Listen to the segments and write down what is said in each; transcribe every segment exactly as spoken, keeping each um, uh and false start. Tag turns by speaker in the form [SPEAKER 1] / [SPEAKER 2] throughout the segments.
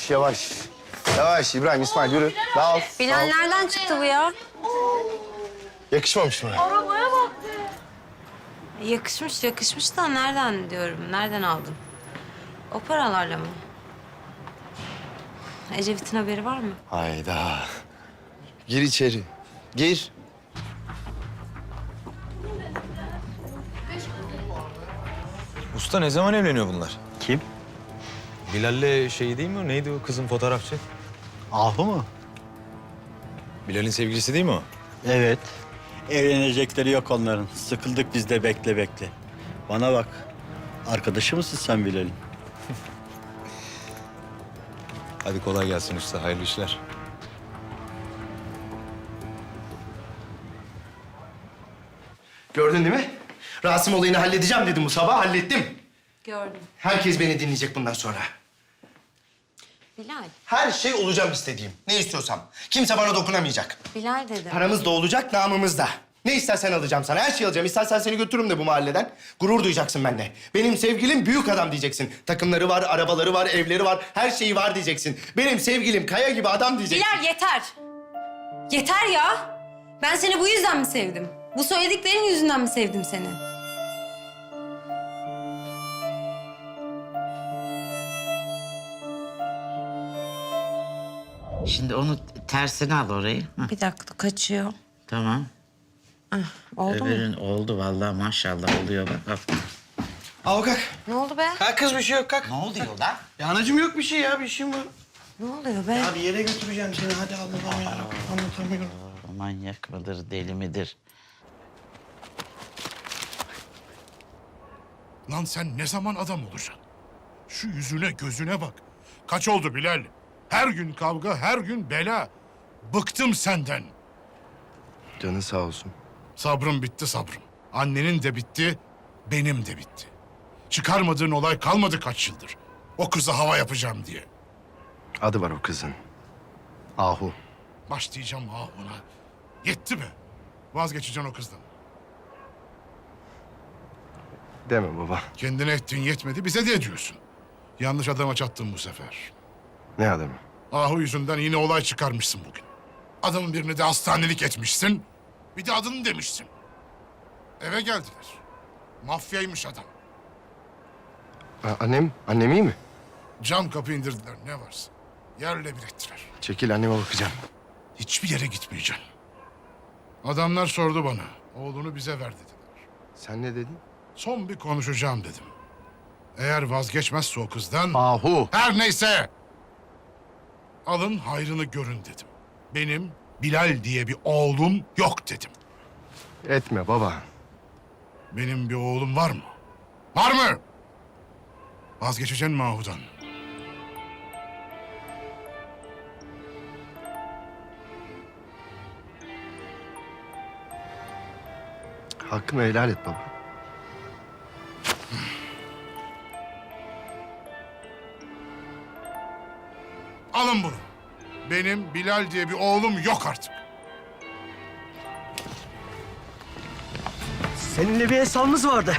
[SPEAKER 1] Yavaş yavaş. Yavaş İbrahim, İsmail yürü. Dağıl.
[SPEAKER 2] Bilal
[SPEAKER 1] dağıl.
[SPEAKER 2] nereden çıktı bu ya?
[SPEAKER 1] Yakışmamış mı?
[SPEAKER 2] Yakışmış, yakışmış da nereden diyorum, nereden aldın? O paralarla mı? Ecevit'in haberi var mı?
[SPEAKER 1] Hayda. Gir içeri. Gir.
[SPEAKER 3] Usta ne zaman evleniyor bunlar?
[SPEAKER 4] Kim?
[SPEAKER 3] Bilal'le şey değil mi o? Neydi o kızın fotoğrafçı?
[SPEAKER 4] Ahu mu?
[SPEAKER 3] Bilal'in sevgilisi değil mi o?
[SPEAKER 4] Evet. Evlenecekleri yok onların. Sıkıldık biz de bekle bekle. Bana bak. Arkadaşı mısın sen Bilal'in?
[SPEAKER 3] Hadi kolay gelsin usta. Hayırlı işler.
[SPEAKER 1] Gördün değil mi? Rasim olayını halledeceğim dedim bu sabah, hallettim.
[SPEAKER 2] Gördüm.
[SPEAKER 1] Herkes beni dinleyecek bundan sonra.
[SPEAKER 2] Bilal,
[SPEAKER 1] Her şey olacağım istediğim. Ne istiyorsam. Kimse bana dokunamayacak.
[SPEAKER 2] Bilal dedim.
[SPEAKER 1] Paramız da olacak, namımız da. Ne istersen alacağım sana. Her şeyi alacağım. İstersen seni götürürüm de bu mahalleden. Gurur duyacaksın benimle. Benim sevgilim büyük adam diyeceksin. Takımları var, arabaları var, evleri var. Her şeyi var diyeceksin. Benim sevgilim kaya gibi adam diyeceksin.
[SPEAKER 2] Bilal yeter. Yeter ya. Ben seni bu yüzden mi sevdim? Bu söylediklerin yüzünden mi sevdim seni?
[SPEAKER 5] Şimdi onu tersine al orayı. Hah,
[SPEAKER 2] Bir dakika kaçıyor.
[SPEAKER 5] tamam.
[SPEAKER 2] Oldu mu?
[SPEAKER 5] Öbürün oldu vallahi maşallah oluyor bak. Bak.
[SPEAKER 1] Al kalk.
[SPEAKER 2] Ne oldu be?
[SPEAKER 1] Kalk kız, bir şey yok kalk.
[SPEAKER 5] Ne oluyor lan?
[SPEAKER 1] Ya anacığım yok bir şey ya, bir şeyim var.
[SPEAKER 2] Ne oluyor be?
[SPEAKER 1] Ya bir yere götüreceğim seni, hadi Allah'ım ya. Anlatamıyorum.
[SPEAKER 5] Manyak mıdır, deli midir?
[SPEAKER 6] Lan sen ne zaman adam olacaksın? Şu yüzüne gözüne bak. Kaç oldu Bilal? Her gün kavga, her gün bela. Bıktım senden.
[SPEAKER 1] Canın sağ olsun.
[SPEAKER 6] Sabrım bitti sabrım. Annenin de bitti, benim de bitti. Çıkarmadığın olay kalmadı kaç yıldır. O kıza hava yapacağım diye.
[SPEAKER 1] Adı var o kızın. Ahu.
[SPEAKER 6] Başlayacağım ha ona. Yetti mi? Vazgeçeceksin o kızdan.
[SPEAKER 1] Deme baba.
[SPEAKER 6] Kendine ettiğin yetmedi, bize de ediyorsun. Yanlış adama çattın bu sefer.
[SPEAKER 1] Ne adamı?
[SPEAKER 6] Ahu yüzünden yine olay çıkarmışsın bugün. Adamın birini de hastanelik etmişsin. Bir de adını demişsin. Eve geldiler. Mafyaymış adam.
[SPEAKER 1] Ha, annem, annem iyi mi?
[SPEAKER 6] Cam kapı indirdiler ne varsa. Yerle bir ettiler.
[SPEAKER 1] Çekil, anneme bakacağım.
[SPEAKER 6] Hiçbir yere gitmeyeceğim. Adamlar sordu bana. Oğlunu bize ver dediler.
[SPEAKER 1] Sen ne dedin?
[SPEAKER 6] Son bir konuşacağım dedim. Eğer vazgeçmezse o kızdan...
[SPEAKER 1] Ahu.
[SPEAKER 6] Her neyse. Alın hayrını görün dedim. Benim Bilal diye bir oğlum yok dedim.
[SPEAKER 1] Etme baba.
[SPEAKER 6] Benim bir oğlum var mı? Var mı? Vazgeçeceksin mi Ahu'dan?
[SPEAKER 1] Hakkını helal et baba.
[SPEAKER 6] Alın bunu. Benim Bilal diye bir oğlum yok artık.
[SPEAKER 7] Seninle bir hesabımız vardı.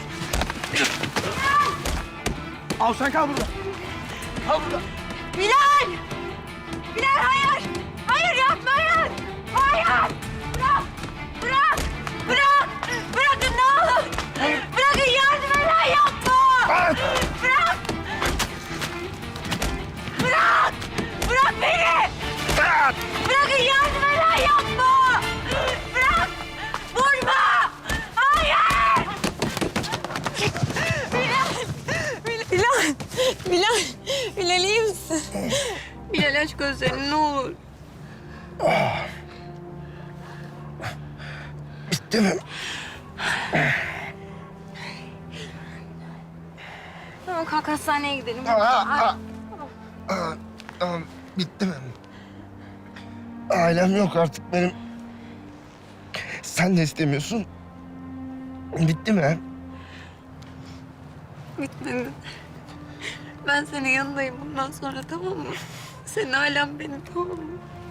[SPEAKER 7] Al sen kal burada. Kal burada.
[SPEAKER 2] Bilal! Bilal hayır! Hayır yapma hayır! Hayır! Bırak! Bırak! Bırak! Bırakın ne olur! Bırakın yardım edin yapma! Bırak! Bırak! Bırak beni! Bırakın yardım edin yapma! Bırak! Vurma! Hayır! Bilal! Bilal! Bilal! Bilal iyi misin? Bilal aç gözlerini ne olur.
[SPEAKER 1] Bitti mi?
[SPEAKER 2] Tamam kalk hastaneye gidelim.
[SPEAKER 1] Aa, Tamam, bitti mi? Ailem yok artık benim. Sen de istemiyorsun. Bitti mi?
[SPEAKER 2] Bitmedi. Ben senin yanındayım bundan sonra tamam mı? Senin ailen benim tamam mı?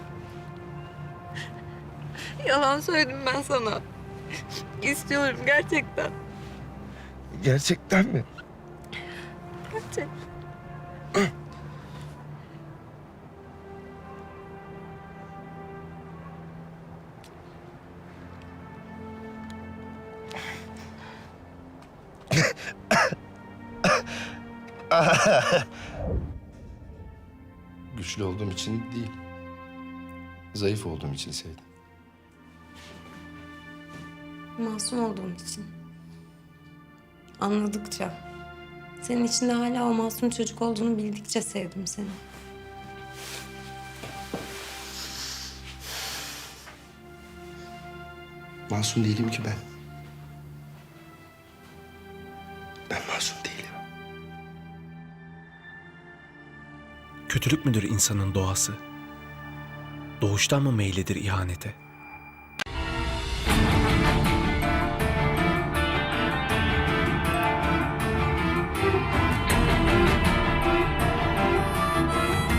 [SPEAKER 2] Yalan söyledim ben sana. İstiyorum gerçekten.
[SPEAKER 1] Gerçekten mi?
[SPEAKER 2] Gerçekten.
[SPEAKER 1] Güçlü olduğum için değil. Zayıf olduğum için sevdim.
[SPEAKER 2] Masum olduğum için. Anladıkça, senin içinde hala o masum çocuk olduğunu bildikçe sevdim seni.
[SPEAKER 1] Masum değilim ki ben. Ben masum değilim.
[SPEAKER 8] Kötülük müdür insanın doğası? Doğuştan mı meylidir ihanete?